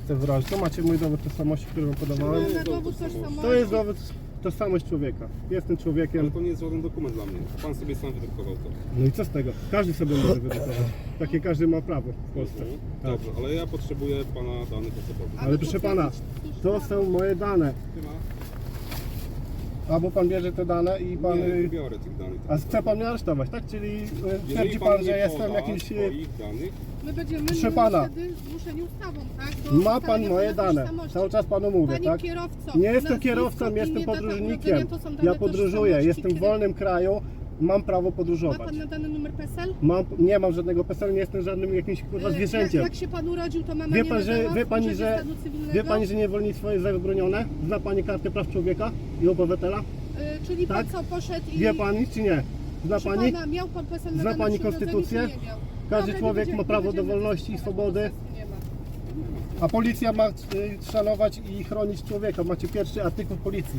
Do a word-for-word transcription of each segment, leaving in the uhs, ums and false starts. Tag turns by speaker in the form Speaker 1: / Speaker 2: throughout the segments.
Speaker 1: chcę wyrazić. To macie mój dowód tożsamości, który wam podawałem.
Speaker 2: Na dowód tożsamości.
Speaker 1: To jest dowód tożsamość człowieka. Jestem
Speaker 3: Ale
Speaker 1: człowiekiem.
Speaker 3: to nie jest żaden dokument dla mnie. Pan sobie sam wydrukował to.
Speaker 1: No i co z tego? Każdy sobie może wydrukować. Takie każdy ma prawo w Polsce.
Speaker 3: Mhm.
Speaker 1: Tak.
Speaker 3: Dobrze, ale ja potrzebuję pana danych osobowych.
Speaker 1: Ale proszę pana, to są moje dane.
Speaker 3: Nie ma?
Speaker 1: Albo pan bierze te dane i pan...
Speaker 3: Nie, nie biorę tych danych.
Speaker 1: A chce pan mnie aresztować, tak? Czyli y,
Speaker 3: Jeżeli
Speaker 1: twierdzi pan,
Speaker 3: nie
Speaker 1: że jestem
Speaker 3: poda
Speaker 1: jakimś... y,
Speaker 3: swoich danych,
Speaker 2: My będziemy
Speaker 1: Proszę
Speaker 2: my
Speaker 1: pana.
Speaker 2: wtedy zmuszeni ustawą, tak? Do
Speaker 1: Ma pan
Speaker 2: ustalenia
Speaker 1: moje
Speaker 2: pana
Speaker 1: dane.
Speaker 2: tożsamości.
Speaker 1: Cały czas panu mówię,
Speaker 2: Panie
Speaker 1: tak?
Speaker 2: kierowco,
Speaker 1: Nie jestem
Speaker 2: nazwisko,
Speaker 1: kierowcą,
Speaker 2: imię,
Speaker 1: jestem
Speaker 2: data
Speaker 1: podróżnikiem.
Speaker 2: urodzenia to są dane
Speaker 1: Ja podróżuję,
Speaker 2: tożsamości.
Speaker 1: jestem w
Speaker 2: Kiedy-
Speaker 1: wolnym kraju, mam prawo
Speaker 2: Ma
Speaker 1: podróżować.
Speaker 2: pan nadany numer P E S E L?
Speaker 1: Mam, nie mam żadnego P E S E L, nie jestem żadnym jakimś kurwa
Speaker 2: Y,
Speaker 1: zwierzęciem.
Speaker 2: Jak, jak się pan urodził, to mama
Speaker 1: Wie
Speaker 2: nie
Speaker 1: pan, że,
Speaker 2: nadała
Speaker 1: wie pani,
Speaker 2: urzędzie
Speaker 1: że,
Speaker 2: stanu cywilnego?
Speaker 1: wie pani, że niewolnictwo jest zabronione? Zna pani kartę praw człowieka i obywatela?
Speaker 2: Y, Czyli
Speaker 1: Tak?
Speaker 2: pan co, poszedł i...
Speaker 1: Wie pani czy nie? Zna
Speaker 2: Proszę
Speaker 1: pani?
Speaker 2: Pana, miał pan P E S E L
Speaker 1: Zna
Speaker 2: nadany
Speaker 1: pani
Speaker 2: przy urodzeniu,
Speaker 1: konstytucję?
Speaker 2: czy nie miał?
Speaker 1: Każdy
Speaker 2: Dobra,
Speaker 1: człowiek
Speaker 2: nie
Speaker 1: ma
Speaker 2: będziemy-
Speaker 1: prawo
Speaker 2: nie
Speaker 1: do
Speaker 2: będziemy
Speaker 1: wolności i
Speaker 2: dyskutować,
Speaker 1: swobody.
Speaker 2: po prostu nie ma.
Speaker 1: A policja ma y, szanować i chronić człowieka. Macie pierwszy artykuł policji.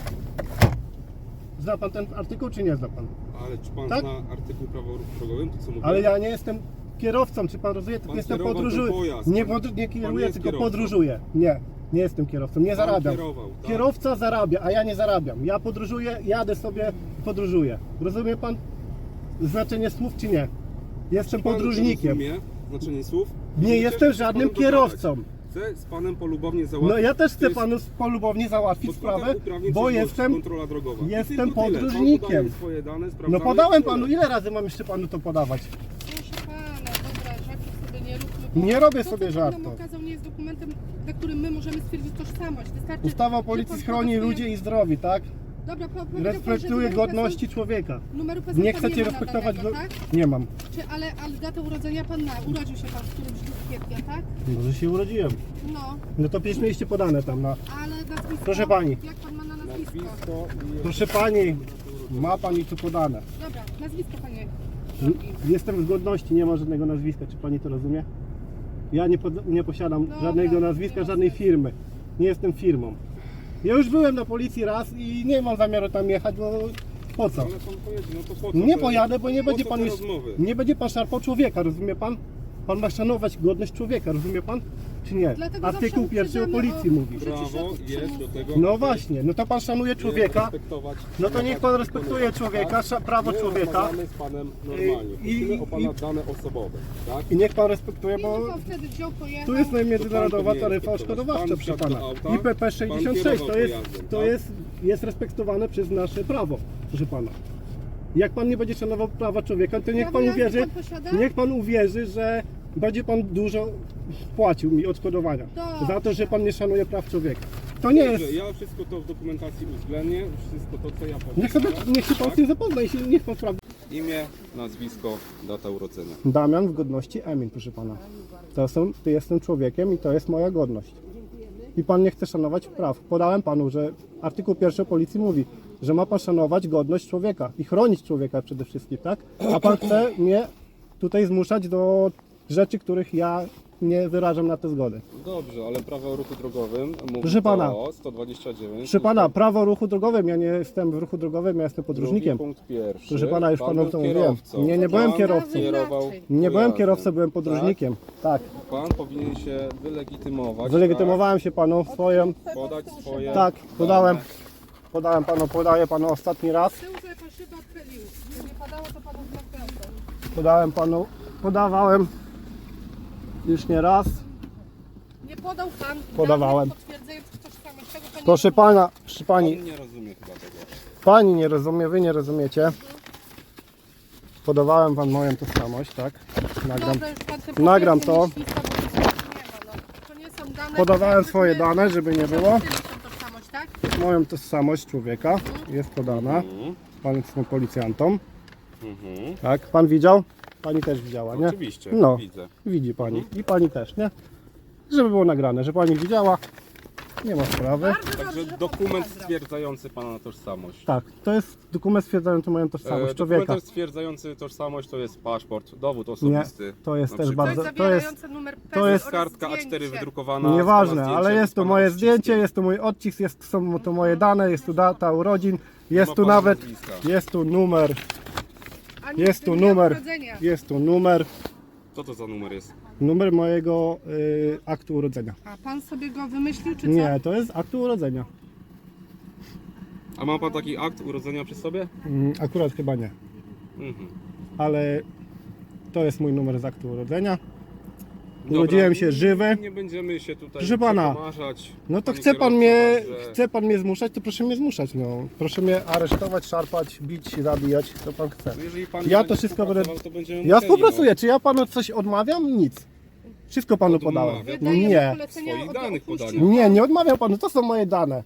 Speaker 1: Zna pan ten artykuł czy nie zna pan?
Speaker 3: ale czy pan
Speaker 1: Tak?
Speaker 3: zna artykuł prawa o ruchu drogowym, to co mówię?
Speaker 1: Ale ja nie jestem kierowcą, czy pan rozumie? Tylko
Speaker 3: Pan
Speaker 1: jestem
Speaker 3: kierował ten
Speaker 1: podróżuję.
Speaker 3: pojazd.
Speaker 1: Nie, podr- nie
Speaker 3: Pan
Speaker 1: kieruję,
Speaker 3: jest
Speaker 1: tylko
Speaker 3: kierowcą.
Speaker 1: podróżuję. Nie, nie jestem kierowcą, nie
Speaker 3: Pan
Speaker 1: zarabiam.
Speaker 3: kierował, tak?
Speaker 1: Kierowca zarabia, a ja nie zarabiam. Ja podróżuję, jadę sobie, podróżuję. Rozumie pan znaczenie słów czy nie? Jestem
Speaker 3: Czy pan
Speaker 1: podróżnikiem.
Speaker 3: rozumie znaczenie słów?
Speaker 1: Nie
Speaker 3: Chcę
Speaker 1: jestem
Speaker 3: się z
Speaker 1: żadnym
Speaker 3: panem
Speaker 1: kierowcą.
Speaker 3: dogadać. Chcę z panem polubownie załatwić.
Speaker 1: No ja też
Speaker 3: To
Speaker 1: chcę
Speaker 3: jest
Speaker 1: panu polubownie załatwić
Speaker 3: podstawa
Speaker 1: sprawę,
Speaker 3: uprawnień
Speaker 1: bo
Speaker 3: czynności,
Speaker 1: jestem...
Speaker 3: kontrola drogowa. I
Speaker 1: jestem
Speaker 3: tylko tyle. Pan
Speaker 1: podróżnikiem.
Speaker 3: podaje swoje dane,
Speaker 1: No
Speaker 3: sprawdzamy
Speaker 1: podałem
Speaker 3: i tyle.
Speaker 1: panu, ile razy mam jeszcze panu to podawać?
Speaker 2: Proszę pana, dobra, żartów sobie nie róbmy. bo
Speaker 1: Nie robię
Speaker 2: to,
Speaker 1: sobie
Speaker 2: co pan nam
Speaker 1: żartów.
Speaker 2: okazał, nie jest dokumentem, na którym my możemy stwierdzić tożsamość. Wystarczy,
Speaker 1: Ustawa o
Speaker 2: że
Speaker 1: policji
Speaker 2: pan
Speaker 1: chroni
Speaker 2: poda
Speaker 1: ludzi
Speaker 2: swoje-
Speaker 1: i zdrowi, tak?
Speaker 2: Dobra, po- powiedział pan, że
Speaker 1: Respektuje
Speaker 2: numeru
Speaker 1: godności człowieka.
Speaker 2: P E S E L numeru P E S E L
Speaker 1: Nie
Speaker 2: pan
Speaker 1: chcecie
Speaker 2: ma
Speaker 1: respektować
Speaker 2: nadanego,
Speaker 1: go...
Speaker 2: tak?
Speaker 1: Nie mam.
Speaker 2: Czy, ale, ale datę urodzenia pan ma. Urodził się pan w którymś dniu kwietnia, tak?
Speaker 1: Może się urodziłem.
Speaker 2: No,
Speaker 1: No to przecież mieliście podane tam na...
Speaker 2: ale nazwisko...
Speaker 1: Proszę pani.
Speaker 2: Jak pan ma na nazwisko?
Speaker 3: Nazwisko i...
Speaker 1: Proszę pani, ma pani tu podane.
Speaker 2: Dobra, nazwisko panie.
Speaker 1: Jestem w godności, nie ma żadnego nazwiska, czy pani to rozumie? Ja nie, pod, nie posiadam
Speaker 2: Dobra,
Speaker 1: żadnego nazwiska,
Speaker 2: nie ma
Speaker 1: żadnej
Speaker 2: sensu.
Speaker 1: firmy. Nie jestem firmą. Ja już byłem na policji raz i nie mam zamiaru tam jechać, bo po co?
Speaker 3: Ale pan pojedzie, no to po co
Speaker 1: Nie
Speaker 3: te-
Speaker 1: pojadę, bo nie
Speaker 3: po
Speaker 1: będzie
Speaker 3: co
Speaker 1: pan
Speaker 3: te
Speaker 1: już,
Speaker 3: rozmowy?
Speaker 1: nie będzie pan szarpał człowieka, rozumie pan? Pan ma szanować godność człowieka, rozumie pan? Czy nie?
Speaker 2: Dlatego
Speaker 1: Artykuł
Speaker 2: zawsze
Speaker 1: pierwszy o
Speaker 2: uprzedzamy
Speaker 1: policji
Speaker 2: o-
Speaker 1: mówi.
Speaker 2: Użycie
Speaker 3: Prawo
Speaker 2: środków
Speaker 3: jest do
Speaker 2: przymusu.
Speaker 3: tego,
Speaker 1: No
Speaker 3: aby
Speaker 1: właśnie, no to pan szanuje człowieka,
Speaker 3: respektować-
Speaker 1: no to niech pan respektuje
Speaker 3: wykonywać,
Speaker 1: człowieka,
Speaker 3: tak?
Speaker 1: sza- prawo
Speaker 3: My
Speaker 1: człowieka
Speaker 3: rozmawiamy z panem normalnie.
Speaker 1: I-
Speaker 3: Prosimy o pana
Speaker 1: i-
Speaker 3: dane osobowe, tak?
Speaker 1: i niech pan respektuje,
Speaker 2: I
Speaker 1: bo
Speaker 2: pan wtedy wziął, pojechał.
Speaker 1: tu jest międzynarodowa
Speaker 3: powinien
Speaker 1: taryfa
Speaker 3: respektować.
Speaker 1: odszkodowawcza,
Speaker 3: Pan
Speaker 1: proszę
Speaker 3: wsiadł
Speaker 1: pana.
Speaker 3: do auta,
Speaker 1: I P P sześćdziesiąt sześć to
Speaker 3: pan
Speaker 1: jest,
Speaker 3: kierował pojazdem,
Speaker 1: to
Speaker 3: tak?
Speaker 1: jest, jest respektowane przez nasze prawo, proszę pana. Jak pan nie będzie szanował prawa człowieka, to niech
Speaker 2: Prawo
Speaker 1: pan
Speaker 2: jazdy
Speaker 1: uwierzy,
Speaker 2: pan posiada?
Speaker 1: niech pan uwierzy, że będzie pan dużo płacił mi odszkodowania
Speaker 2: Dobrze.
Speaker 1: za to, że pan nie szanuje praw człowieka. To nie jest.
Speaker 3: Dobrze, ja wszystko to w dokumentacji uwzględnię, wszystko to co ja powiem.
Speaker 1: Niech sobie, niech się pan z tym zapozna i się, niech pan sprawdzi.
Speaker 3: Imię, nazwisko, data urodzenia.
Speaker 1: Damian w godności Emil, proszę pana. To są, ty jestem człowiekiem i to jest moja godność. I pan nie chce szanować praw. Podałem panu, że artykuł pierwszy o policji mówi, że ma pan szanować godność człowieka i chronić człowieka przede wszystkim, tak? A pan chce mnie tutaj zmuszać do rzeczy, których ja nie wyrażam na tę zgodę.
Speaker 3: Dobrze, ale prawo o ruchu drogowym mówi
Speaker 1: Proszę pana.
Speaker 3: o sto dwadzieścia dziewięć.
Speaker 1: Proszę pana, prawo o ruchu drogowym, ja nie jestem w ruchu drogowym, ja jestem podróżnikiem.
Speaker 3: Drugi punkt pierwszy.
Speaker 1: Proszę pana, już
Speaker 3: Pan
Speaker 1: panu
Speaker 3: był
Speaker 1: to mówiłem.
Speaker 3: kierowcą.
Speaker 1: Nie, nie byłem
Speaker 3: Pan
Speaker 1: kierowcą.
Speaker 3: Kierował
Speaker 1: Nie byłem
Speaker 3: pojazdem.
Speaker 1: kierowcą, byłem podróżnikiem. Tak.
Speaker 3: Pan powinien się wylegitymować.
Speaker 1: Wylegitymowałem się panu swoją.
Speaker 3: Tak? Podać swoje.
Speaker 1: Tak, podałem.
Speaker 3: dane.
Speaker 1: Podałem panu, podaję panu ostatni raz.
Speaker 2: Z tyłu, że pan szybę odchylił. Gdyby nie padało, to panu wzmacniało.
Speaker 1: Podałem panu, podawałem już nie raz.
Speaker 2: Nie podał pan
Speaker 1: Podawałem.
Speaker 2: danych potwierdzających tożsamość. Tego pan nie
Speaker 1: Proszę
Speaker 2: rozumie.
Speaker 1: pana, proszę pani,
Speaker 3: Pan nie rozumie chyba tego.
Speaker 1: pani nie rozumie, wy nie rozumiecie. Podawałem wam moją tożsamość, tak? Nagram.
Speaker 2: Dobra, już pan te
Speaker 1: Nagram
Speaker 2: potwierdzenia
Speaker 1: to.
Speaker 2: lista, bo nic nie ma, no. To nie są dane,
Speaker 1: Podawałem
Speaker 2: które
Speaker 1: swoje
Speaker 2: my-
Speaker 1: dane, żeby nie było.
Speaker 2: Tyle są tożsamość, tak?
Speaker 1: Moją tożsamość człowieka jest podana.
Speaker 3: Mhm.
Speaker 1: Pan jest policjantą,
Speaker 3: Mhm.
Speaker 1: tak? Pan widział? Pani też widziała, nie?
Speaker 3: Oczywiście,
Speaker 1: No.
Speaker 3: widzę.
Speaker 1: Widzi pani. I pani też, nie? Żeby było nagrane, że pani widziała. Nie ma sprawy.
Speaker 2: Bardzo dobrze,
Speaker 3: Także
Speaker 2: że pan
Speaker 3: dokument
Speaker 2: zabrał.
Speaker 3: stwierdzający pana tożsamość.
Speaker 1: Tak, to jest dokument stwierdzający moją tożsamość
Speaker 3: E,
Speaker 1: człowieka.
Speaker 3: Dokument stwierdzający tożsamość to jest paszport, dowód osobisty.
Speaker 1: to jest
Speaker 3: na
Speaker 1: też
Speaker 3: przykład.
Speaker 2: To jest
Speaker 1: bardzo- to jest-
Speaker 2: zawierające numer P E S E L
Speaker 1: to jest
Speaker 2: oraz
Speaker 3: Kartka A cztery
Speaker 2: zdjęcie.
Speaker 3: wydrukowana. z
Speaker 1: Nieważne,
Speaker 3: pana
Speaker 1: ale
Speaker 3: zdjęciem,
Speaker 1: jest
Speaker 3: z
Speaker 1: tu
Speaker 3: pana
Speaker 1: moje
Speaker 3: odciskiem.
Speaker 1: zdjęcie, jest tu mój odcisk, jest, są tu moje dane, jest tu data urodzin, jest
Speaker 3: ma
Speaker 1: tu
Speaker 3: pana
Speaker 1: nawet,
Speaker 3: nazwiska.
Speaker 1: jest tu numer,
Speaker 2: Ani
Speaker 1: jest tu
Speaker 2: dnia
Speaker 1: numer,
Speaker 2: urodzenia.
Speaker 1: jest tu numer.
Speaker 3: Co to za numer jest?
Speaker 1: Numer mojego y, aktu urodzenia.
Speaker 2: A pan sobie go wymyślił, czy co?
Speaker 1: Nie, to jest aktu urodzenia.
Speaker 3: A ma pan taki akt urodzenia przy sobie?
Speaker 1: Mm, akurat chyba nie,
Speaker 3: Mhm.
Speaker 1: ale to jest mój numer z aktu urodzenia.
Speaker 3: Dobra,
Speaker 1: Urodziłem się żywy.
Speaker 3: Nie będziemy się tutaj
Speaker 1: Proszę pana,
Speaker 3: przekomarzać.
Speaker 1: No to
Speaker 3: Pani
Speaker 1: chce pan
Speaker 3: kierowca
Speaker 1: mnie,
Speaker 3: także-
Speaker 1: chce pan mnie zmuszać, to proszę mnie zmuszać, no. Proszę mnie aresztować, szarpać, bić, zabijać, co pan chce.
Speaker 3: No jeżeli pan
Speaker 1: Ja
Speaker 3: nie
Speaker 1: to
Speaker 3: będzie
Speaker 1: wszystko będę-
Speaker 3: współpracował, to będziemy
Speaker 1: Ja
Speaker 3: musieli,
Speaker 1: współpracuję, czy ja panu coś odmawiam? Nic. Wszystko panu
Speaker 3: Odmawia.
Speaker 1: podałem.
Speaker 2: Wydajemy
Speaker 1: Nie,
Speaker 2: polecenia
Speaker 3: Swoich
Speaker 2: o-
Speaker 3: danych
Speaker 2: opuścił
Speaker 3: podania.
Speaker 1: nie, nie odmawiam panu, to są moje dane.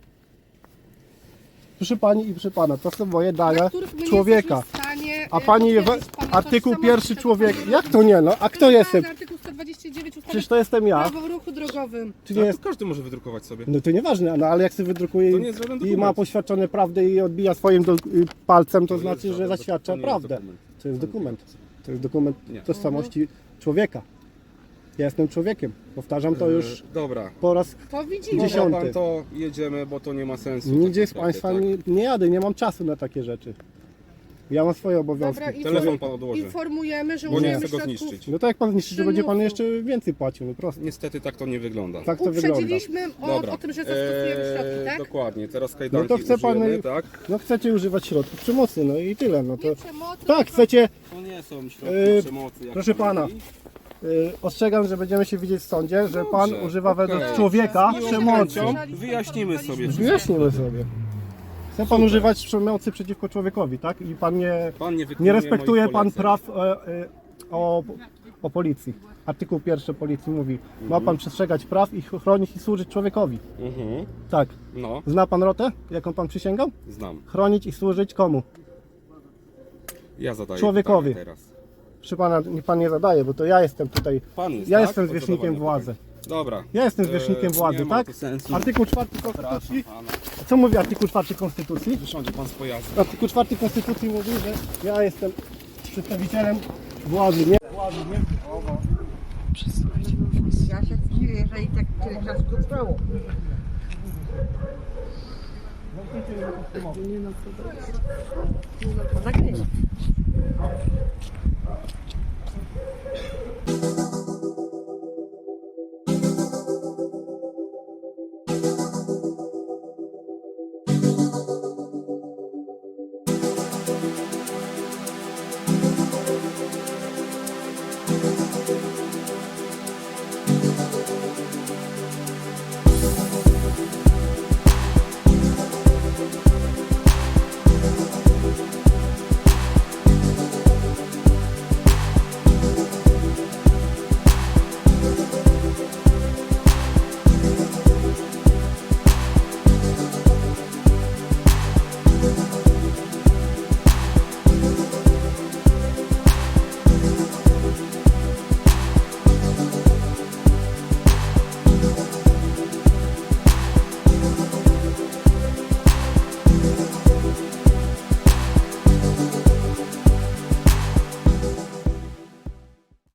Speaker 1: Proszę pani i proszę pana, to są moje
Speaker 2: na
Speaker 1: dane
Speaker 2: których my nie
Speaker 1: człowieka.
Speaker 2: jesteśmy w stanie,
Speaker 1: A
Speaker 2: e,
Speaker 1: pani we,
Speaker 2: potwierdzić pana
Speaker 1: artykuł
Speaker 2: tożsamości,
Speaker 1: pierwszy
Speaker 2: to
Speaker 1: człowiek.
Speaker 2: pan-
Speaker 1: Jak to nie? No, a kto
Speaker 2: Proszę
Speaker 1: jestem?
Speaker 2: pana, Artykuł sto dwadzieścia dziewięć ustawy
Speaker 1: Przecież to jestem ja.
Speaker 2: prawo o ruchu drogowym.
Speaker 1: Czy
Speaker 3: No
Speaker 1: nie
Speaker 3: to
Speaker 1: jest?
Speaker 3: każdy może wydrukować sobie.
Speaker 1: No to nieważne, no ale jak sobie wydrukuje
Speaker 3: To
Speaker 1: i,
Speaker 3: nie jest żaden
Speaker 1: i
Speaker 3: dokument.
Speaker 1: ma poświadczone prawdę i odbija swoim do, y, palcem, to,
Speaker 3: To jest
Speaker 1: znaczy, że
Speaker 3: żaden
Speaker 1: zaświadcza
Speaker 3: to nie jest
Speaker 1: prawdę.
Speaker 3: dokument.
Speaker 1: To jest dokument. To jest dokument
Speaker 3: Nie.
Speaker 1: tożsamości człowieka. Ja jestem człowiekiem. Powtarzam to już
Speaker 3: E, Dobra.
Speaker 1: po raz
Speaker 2: To widzimy.
Speaker 1: Dziesiąty.
Speaker 3: Dobra, pan to jedziemy, bo to nie ma sensu.
Speaker 1: nigdzie
Speaker 3: tak
Speaker 1: z
Speaker 3: naprawdę,
Speaker 1: Państwa
Speaker 3: tak?
Speaker 1: nie, nie jadę, nie mam czasu na takie rzeczy. Ja mam swoje obowiązki.
Speaker 2: Dobra, i
Speaker 3: Telefon pan odłoży.
Speaker 2: informujemy, że
Speaker 3: Bo nie
Speaker 2: użyjemy
Speaker 3: chcę go
Speaker 2: środków.
Speaker 3: zniszczyć.
Speaker 1: No to jak pan zniszczy, to będzie pan
Speaker 2: Przymusu.
Speaker 1: jeszcze więcej płacił, no prosto.
Speaker 3: Niestety tak to nie wygląda.
Speaker 1: Tak to wygląda.
Speaker 2: Uprzedziliśmy o,
Speaker 3: Dobra.
Speaker 2: o tym, że zastosujemy
Speaker 3: Eee,
Speaker 2: środki, tak?
Speaker 3: Dokładnie, teraz kajdanki
Speaker 1: No to chce pan-
Speaker 3: użyjemy, tak?
Speaker 1: No chcecie używać środków przemocy, no i tyle. No to
Speaker 2: Nie przemocy,
Speaker 1: tak,
Speaker 2: tylko-
Speaker 1: chcecie.
Speaker 3: To nie są środki
Speaker 1: Eee,
Speaker 3: przemocy. Jak
Speaker 1: proszę
Speaker 3: pan
Speaker 1: pana.
Speaker 3: mówi.
Speaker 1: Y, ostrzegam, że będziemy się widzieć w sądzie, że pan
Speaker 3: Dobrze,
Speaker 1: używa
Speaker 3: okej.
Speaker 1: według człowieka
Speaker 2: Z miłą
Speaker 1: przemocy.
Speaker 2: chęcią.
Speaker 3: Wyjaśnimy sobie.
Speaker 1: Wyjaśnimy sobie. Chce pan używać przemocy przeciwko człowiekowi, tak? I pan nie,
Speaker 3: Pan nie,
Speaker 1: nie
Speaker 3: wykonuje
Speaker 1: respektuje
Speaker 3: moich
Speaker 1: pan
Speaker 3: poleceń.
Speaker 1: praw e, e, o, o policji. Artykuł pierwszy policji mówi, ma pan przestrzegać praw i chronić i służyć człowiekowi.
Speaker 3: Mhm.
Speaker 1: Tak.
Speaker 3: No,
Speaker 1: Zna pan rotę, jaką pan przysięgał?
Speaker 3: znam.
Speaker 1: Chronić i służyć komu?
Speaker 3: Ja zadaję
Speaker 1: Człowiekowi.
Speaker 3: pytanie teraz.
Speaker 1: Proszę pana, niech pan nie zadaje, bo to ja jestem tutaj.
Speaker 3: Pan jest,
Speaker 1: Ja
Speaker 3: tak?
Speaker 1: jestem
Speaker 3: Od
Speaker 1: zwierzchnikiem
Speaker 3: zadawania
Speaker 1: władzy.
Speaker 3: pytań. Dobra.
Speaker 1: Ja jestem
Speaker 3: Eee,
Speaker 1: zwierzchnikiem władzy,
Speaker 3: nie ma
Speaker 1: tak?
Speaker 3: to sensu.
Speaker 1: Artykuł czwarty Konstytucji.
Speaker 3: Pana.
Speaker 1: Co mówi artykuł czwarty Konstytucji?
Speaker 3: Wysiądzie pan z pojazdu.
Speaker 1: Artykuł czwarty Konstytucji mówi, że ja jestem przedstawicielem władzy, nie? Władzy, nie?
Speaker 4: Ja się dziwię, że i tak tyle czasu to trwało. No tak nie.